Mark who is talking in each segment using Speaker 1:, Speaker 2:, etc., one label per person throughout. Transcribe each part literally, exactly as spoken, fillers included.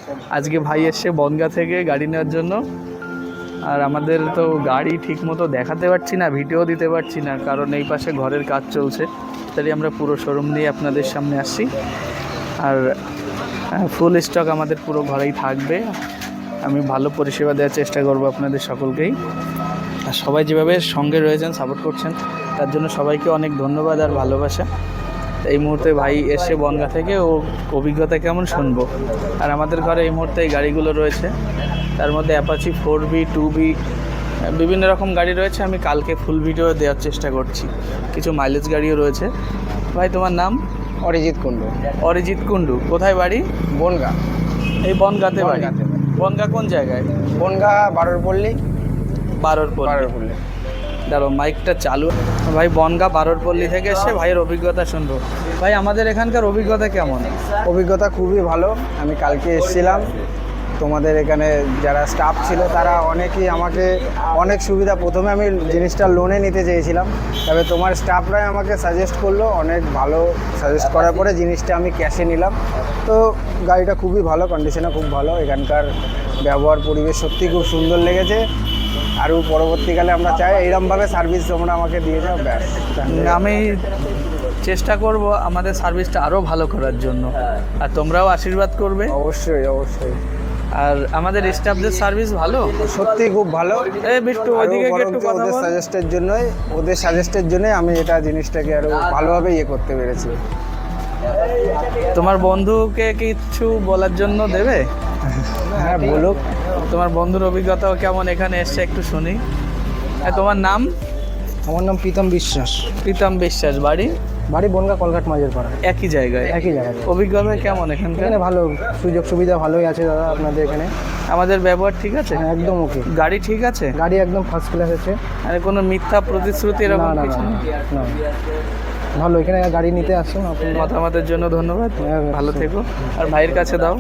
Speaker 1: আজকে ভাই এসছে বনগাঁ থেকে গাড়ি নেওয়ার জন্য। আর আমাদের তো গাড়ি ঠিক মতো দেখাতে পারছি না, ভিডিও দিতে পারছি না, কারণ এই পাশে ঘরের কাজ চলছে। তাই আমরা পুরো শোরুম নিয়ে আপনাদের সামনে আসছি। আর ফুল স্টক আমাদের পুরো ঘরেই থাকবে। আমি ভালো পরিষেবা দেওয়ার চেষ্টা করব আপনাদের সকলকেই। আর সবাই যেভাবে সঙ্গে রয়েছেন, সাপোর্ট করছেন, তার জন্য সবাইকে অনেক ধন্যবাদ আর ভালোবাসা। এই মুহূর্তে ভাই এসে বনগাঁ থেকে, ও অভিজ্ঞতা কেমন শুনবো। আর আমাদের ঘরে এই মুহূর্তে এই গাড়িগুলো রয়েছে, তার মধ্যে Apache four B two B বিভিন্ন রকম গাড়ি রয়েছে। আমি কালকে ফুল ভিডিও দেওয়ার চেষ্টা করছি। কিছু মাইলেজ গাড়িও রয়েছে। ভাই তোমার নাম?
Speaker 2: অরিজিৎ কুণ্ডু।
Speaker 1: অরিজিৎ কুণ্ডু, কোথায় বাড়ি?
Speaker 2: বনগাঁ।
Speaker 1: এই বনগাঁতে বাড়ি? বনগাঁ কোন জায়গায়?
Speaker 2: বনগাঁ বারোর পল্লী।
Speaker 1: বারোর পল্লী।
Speaker 2: বারোর পল্লী।
Speaker 1: দাঁড়ো মাইকটা চালু। ভাই বনগাঁ বারোর পল্লী থেকে এসে ভাইয়ের অভিজ্ঞতা শুনবো। ভাই আমাদের এখানকার অভিজ্ঞতা কেমন?
Speaker 2: অভিজ্ঞতা খুবই ভালো। আমি কালকে এসেছিলাম, তোমাদের এখানে যারা স্টাফ ছিল তারা অনেকেই আমাকে অনেক সুবিধা, প্রথমে আমি জিনিসটা লোনে নিতে চেয়েছিলাম, তবে তোমার স্টাফরাই আমাকে সাজেস্ট করলো, অনেক ভালো সাজেস্ট করার পরে জিনিসটা আমি ক্যাশে নিলাম। তো গাড়িটা খুবই ভালো, কন্ডিশনে খুব ভালো। এখানকার ব্যবহার পরিবেশ সত্যি খুব সুন্দর লেগেছে। আরও পরবর্তীকালে আমরা চাই এইরকমভাবে সার্ভিস তোমরা আমাকে দিয়ে যাও, ব্যাস।
Speaker 1: আমি চেষ্টা করব আমাদের সার্ভিসটা আরও ভালো করার জন্য, আর তোমরাও আশীর্বাদ করবে।
Speaker 2: অবশ্যই অবশ্যই।
Speaker 1: আর আমাদের স্টাফদের সার্ভিস ভালো,
Speaker 2: সত্যি খুব ভালো।
Speaker 1: এই বিট্টু ওইদিকে একটু কথা
Speaker 2: ওদের
Speaker 1: বল।
Speaker 2: সাজেস্টের জন্যই ওদের সাজেস্টের জন্যই আমি এটা জিনিসটাকে আরও ভালোভাবে ইয়ে করতে পেরেছি।
Speaker 1: তোমার বন্ধুকে কিছু বলার জন্য দেবে?
Speaker 2: হ্যাঁ বলুক।
Speaker 1: তোমার বন্ধুর অভিজ্ঞতাও কেমন এখানে এসছে একটু শুনি। হ্যাঁ, তোমার নাম?
Speaker 2: আমার নাম প্রীতম বিশ্বাস।
Speaker 1: প্রীতম বিশ্বাস, বাড়ি?
Speaker 2: বাড়ি বনগাঁ কলকাট মাঝের পাড়া।
Speaker 1: একই জায়গায়?
Speaker 2: একই জায়গায়।
Speaker 1: অভিজ্ঞতা কেমন এখানকার?
Speaker 2: এখানে ভালো সুযোগ সুবিধা ভালোই আছে দাদা আপনাদের এখানে।
Speaker 1: আমাদের ব্যবহার ঠিক আছে?
Speaker 2: হ্যাঁ একদম ওকে।
Speaker 1: গাড়ি ঠিক আছে?
Speaker 2: গাড়ি একদম ফার্স্ট ক্লাস আছে।
Speaker 1: আর কোনো মিথ্যা প্রতিশ্রুতি
Speaker 2: না
Speaker 1: এরকম
Speaker 2: না
Speaker 1: কিছু
Speaker 2: না
Speaker 1: নেই?
Speaker 2: না। ভালো, এখানে গাড়ি নিতে আসুন আপনি।
Speaker 1: মতামতের জন্য ধন্যবাদ,
Speaker 2: হ্যাঁ,
Speaker 1: ভালো থেকো। আর ভাইয়ের কাছে দাও।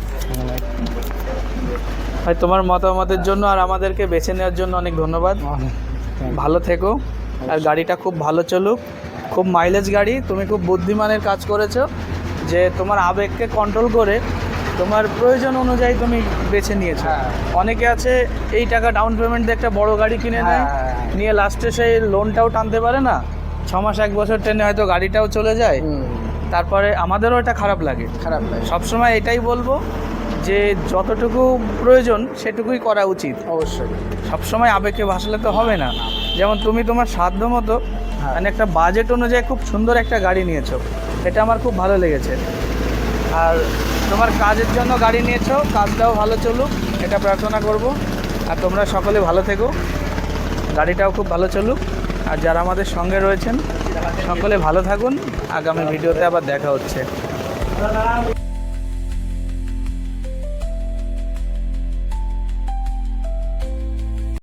Speaker 1: ভাই তোমার মতামতের জন্য আর আমাদেরকে বেছে নেওয়ার জন্য অনেক ধন্যবাদ। ভালো থেকো, আর গাড়িটা খুব ভালো চলুক। খুব মাইলেজ গাড়ি। তুমি খুব বুদ্ধিমানের কাজ করেছো যে তোমার আবেগকে কন্ট্রোল করে তোমার প্রয়োজন অনুযায়ী তুমি বেছে নিয়েছো। অনেকে আছে এই টাকা ডাউন পেমেন্ট দিয়ে একটা বড় গাড়ি কিনে নেয়, নিয়ে লাস্টে সেই লোনটাও টানতে পারে না, ছ মাস এক বছর ট্রেনে হয়তো গাড়িটাও চলে যায়। তারপরে আমাদেরও এটা খারাপ লাগে।
Speaker 2: খারাপ লাগে।
Speaker 1: সবসময় এটাই বলবো যে যতটুকু প্রয়োজন সেটুকুই করা উচিত।
Speaker 2: অবশ্যই।
Speaker 1: সবসময় আবেগে ভাসলে তো হবে না। যেমন তুমি তোমার সাধ্য মতো মানে একটা বাজেট অনুযায়ী খুব সুন্দর একটা গাড়ি নিয়েছো, এটা আমার খুব ভালো লেগেছে। আর তোমার কাজের জন্য গাড়ি নিয়েছো, কাজটাও ভালো চলুক এটা প্রার্থনা করব। আর তোমরা সকলে ভালো থেকো, গাড়িটাও খুব ভালো চলুক। আর যারা আমাদের সঙ্গে রয়েছেন সকলে ভালো থাকুন। আগামী ভিডিওতে আবার দেখা হচ্ছে।